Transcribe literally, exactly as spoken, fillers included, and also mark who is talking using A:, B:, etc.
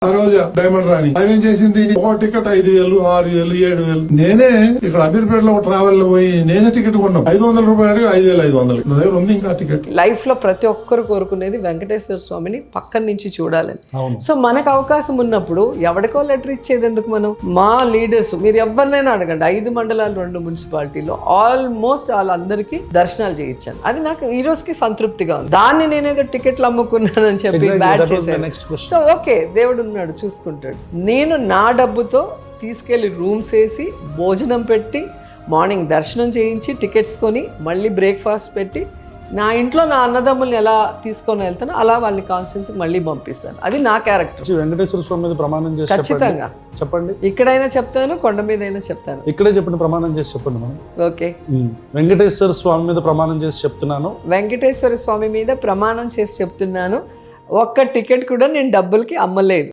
A: ఆ రోజు డైమండ్ రాణి అవేం చేసింది, ఒక టికెట్ ఐదు వేలు ఆరు వేలు ఏడు వేలు. నేనే ఇక్కడ అమీర్పేటలో ఒక ట్రావెల్ లో పోయి నేనే టికెట్ కొన్నాం. ఐదు వందల రూపాయలు ఐదు వేల ఐదు వందలు నా దగ్గర ఉంది ఇంకా టికెట్.
B: లైఫ్ లో ప్రతి ఒక్కరు కోరుకునేది వెంకటేశ్వర స్వామిని పక్కన నుంచి చూడాలని.
C: అవును.
B: సో మనకు అవకాశం ఉన్నప్పుడు ఎవరికో లెటర్ ఇచ్చేది ఎందుకు మనం? మా లీడర్స్ మీరు ఎవరినైనా అడగండి, ఐదు మండలాలు రెండు మున్సిపాలిటీలో ఆల్మోస్ట్ వాళ్ళందరికీ దర్శనాలు చేయించాను. అది నాకు ఈ రోజుకి సంతృప్తిగా ఉంది. దాన్ని నేనేదో టికెట్లు అమ్ముకున్నానని చెప్పి బ్యాడ్ చేశాను. సో ఓకే, దేవుడు ఉన్నాడు, చూసుకుంటాడు. నేను నా డబ్బుతో తీసుకెళ్లి రూమ్స్ వేసి భోజనం పెట్టి మార్నింగ్ దర్శనం చేయించి టికెట్స్ కొని మళ్ళీ బ్రేక్ఫాస్ట్ పెట్టి నా ఇంట్లో నా అన్నదమ్ముల్ని ఎలా తీసుకొని వెళ్తానో అలా వాళ్ళని కాన్స్టిట్యూన్సీకి మళ్ళీ పంపిస్తాను. అది నా క్యారెక్టర్.
C: వెంకటేశ్వర స్వామి మీద ప్రమాణం చేసి
B: ఖచ్చితంగా
C: చెప్పండి.
B: ఇక్కడైనా చెప్తాను, కొండ మీద అయినా చెప్తాను.
C: ఇక్కడే చెప్పండి, ప్రమాణం చేసి చెప్పండి మనం.
B: ఓకే.
C: వెంకటేశ్వర స్వామి మీద ప్రమాణం చేసి చెప్తున్నాను.
B: వెంకటేశ్వర స్వామి మీద ప్రమాణం చేసి చెప్తున్నాను, ఒక్క టికెట్ కూడా నేను డబ్బులకి అమ్మలేదు.